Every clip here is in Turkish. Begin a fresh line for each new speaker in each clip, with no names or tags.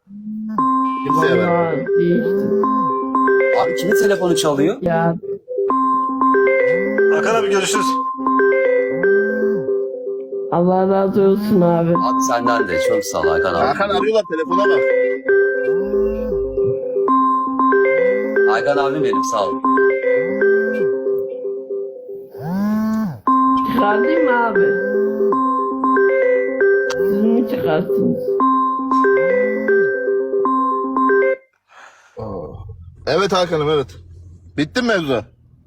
Kimseye ver.
Vallahi değiştim.
Abi kimin telefonu çalıyor?
Ya
Hakan abi görüşürüz.
Allah razı olsun abi.
Abi senden de çok sağ ol Hakan abi.
Hakan arıyorlar, telefona bak.
Hakan abim benim sağ ol.
Çıkartayım mı abi? Siz mi çıkarsınız?
Evet Hakan'ım, evet. Bitti mi mevzu?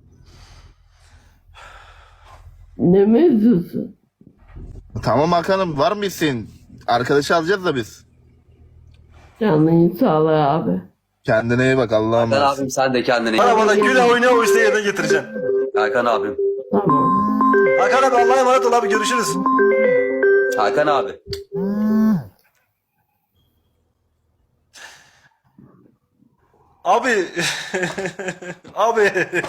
Ne mevzusu?
Tamam Hakan'ım, var mı isteğin? Arkadaşı alacağız da biz.
Canın sağlığı abi.
Kendine iyi bak, Allah'a
Hakan
emanet.
abim sen de kendine iyi bak.
Arabada güle oynaya o isteği yerine getireceğim.
Hakan abim.
Tamam.
Hakan abi Allah'a emanet ol abi, görüşürüz.
Hakan abi.
Abi. Abi.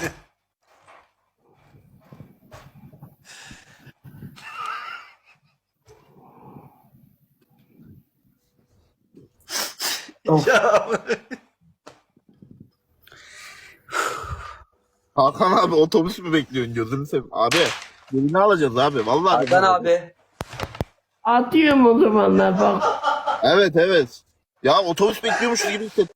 Ya.
Hakan abi, otobüs mü bekliyorsun, gözünü seveyim. Abi birini alacağız abi, vallahi.
Hakan
birini alacağız.
abi.
Atıyorum o zamanlar bak.
Evet evet. Ya otobüs bekliyormuş gibi hissettim.